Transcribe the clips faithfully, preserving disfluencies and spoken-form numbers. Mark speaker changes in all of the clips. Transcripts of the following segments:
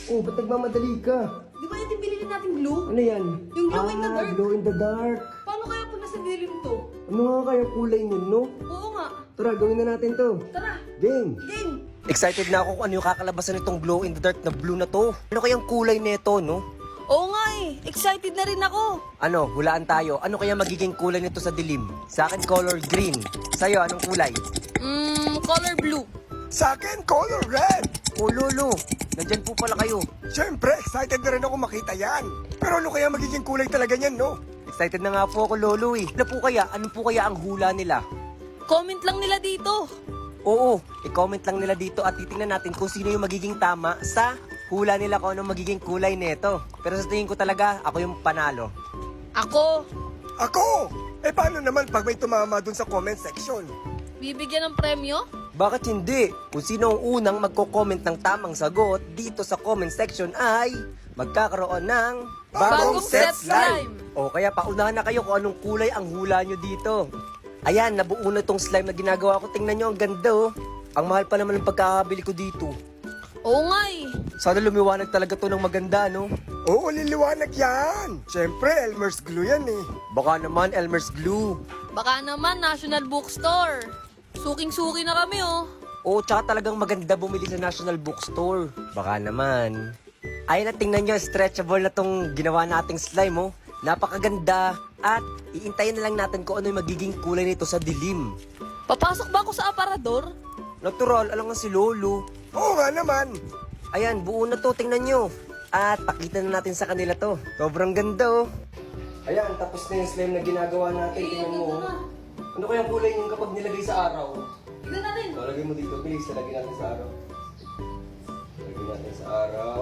Speaker 1: Oh, ba't nagmamadali ka?
Speaker 2: Di ba yung binili natin glue?
Speaker 1: Ano yan?
Speaker 2: Yung glow in the
Speaker 1: Ah,
Speaker 2: dark.
Speaker 1: glow in the dark.
Speaker 2: Paano kaya pag nasa dilim to?
Speaker 1: Ano nga kaya kulay niyan, no?
Speaker 2: Oo nga.
Speaker 1: Tara, gawin na natin to.
Speaker 2: Tara.
Speaker 1: Game!
Speaker 2: Game.
Speaker 3: Excited na ako kung ano yung kakalabasan nitong glow in the dark na blue na to. Ano kayang kulay nito, no?
Speaker 2: Oo nga eh. Excited na rin ako.
Speaker 3: Ano, hulaan tayo. Ano kaya magiging kulay nito sa dilim? Sa akin, color green. Sa'yo, anong kulay?
Speaker 2: Mmm, color blue.
Speaker 4: Sa akin, color red!
Speaker 3: Oh, lolo. Nandyan po pala kayo.
Speaker 4: Siyempre, excited na rin ako makita yan. Pero ano kaya magiging kulay talaga niyan, no?
Speaker 3: Excited na nga po ako, lolo eh. Ano po kaya? Ano po kaya ang hula nila?
Speaker 2: Comment lang nila dito.
Speaker 3: Oo, i-comment lang nila dito at titingnan natin kung sino yung magiging tama sa hula nila kung anong magiging kulay nito. Pero sa tingin ko talaga, ako yung panalo.
Speaker 2: Ako,
Speaker 4: Ako! Eh paano naman pag may tumama dun sa comment section?
Speaker 2: bibigyan ng premyo?
Speaker 3: Bakit hindi? Kung sino ang unang magko-comment ng tamang sagot dito sa comment section ay magkakaroon ng
Speaker 2: Bagong set slime.
Speaker 3: O kaya paunahan na kayo kung anong kulay ang hula nyo dito. Ayan, nabuo na tong slime na ginagawa ko. Tingnan nyo, ang ganda oh. Ang mahal pa naman ng pagkakabili ko dito.
Speaker 2: Oo nga eh.
Speaker 3: Sana lumiwanag talaga to ng maganda, no?
Speaker 4: Oo, liliwanag yan! Siyempre, Elmer's glue yan eh.
Speaker 3: Baka naman Elmer's Glue.
Speaker 2: Baka naman National Bookstore. Suking-suki na kami oh.
Speaker 3: Oo, tsaka talagang maganda bumili sa National Bookstore. Baka naman. Ayun na, tingnan nyo, stretchable na tong ginawa nating slime, oh. Napakaganda. At iintayin na lang natin kung ano yung magiging kulay nito sa dilim.
Speaker 2: Papasok ba ako sa aparador?
Speaker 3: Natural, alam nga si Lolo.
Speaker 4: Oo nga naman.
Speaker 3: Ayan, buo na to, tingnan nyo. At pakita na natin sa kanila to. Sobrang ganda, oh. Ayan, tapos na yung slime na ginagawa natin. Tingnan mo, oh. Ano kayang kulay yung kapag nilagay sa araw?
Speaker 2: Tignan natin.
Speaker 3: O, lagay mo dito, please. Lagay natin sa araw. Lagay natin sa araw.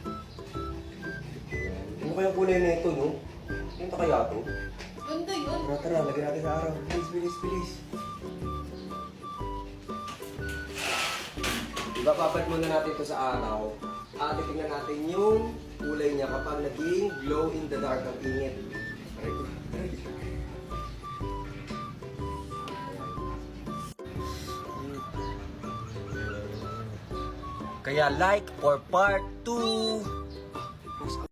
Speaker 3: Ayan. Ano kayang kulay na ito, no? Ano kaya to?
Speaker 2: Ganda yun.
Speaker 3: Tara, tara, lagay natin sa araw. Please, please, please. Ibababad muna natin ito sa araw. At titingnan natin yung kulay niya kapag naging glow in the dark ang init. Aray ko, aray ko. Kaya like for part two.